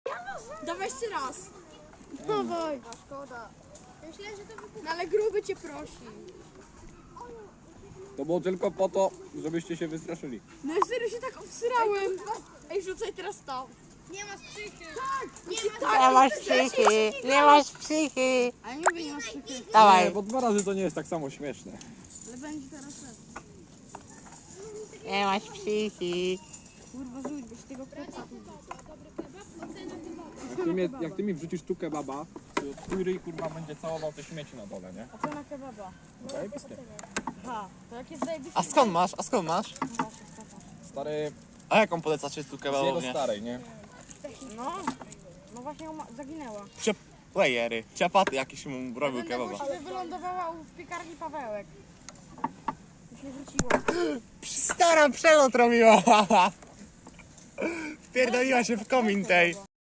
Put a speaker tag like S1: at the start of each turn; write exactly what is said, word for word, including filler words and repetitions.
S1: Dawaj jeszcze raz.
S2: Dawaj.
S1: A szkoda. Myślę, że to wykupi. No ale gruby cię prosi.
S3: To było tylko po to, żebyście się wystraszyli.
S1: No ja serio się tak obsrałem. Ej, rzucaj teraz to. Nie masz psychy. Tak. Nie masz
S2: Nie masz psychy, nie masz psychy.
S1: Ale nie mówię, nie masz psychy.
S3: Nie,
S2: Dawaj.
S3: bo dwa razy to nie jest tak samo śmieszne.
S1: Ale będzie teraz tak.
S2: Nie masz psychy.
S1: Kurwa, rzuć, byś tego kreca tu wrzucał.
S3: Jak ty, mnie, jak ty mi wrzucisz tu kebaba, to twój ryj kurwa będzie całował te śmieci na dole, nie?
S1: A co na kebaba?
S3: Zajebiskie.
S1: Aha, to jak jest zajebisty.
S2: A skąd masz? A skąd masz?
S3: Stary,
S2: A jaką polecacie tu
S3: z jego
S2: kebabownię?
S3: starej, nie?
S1: No, no właśnie ona zaginęła.
S2: Playery, ciapaty jakieś mu robił kebaba.
S1: Ale wylądowała w piekarni Pawełek. Już nie wróciła.
S2: Stara przelot robiła. Wpierdoliła się w komin tej.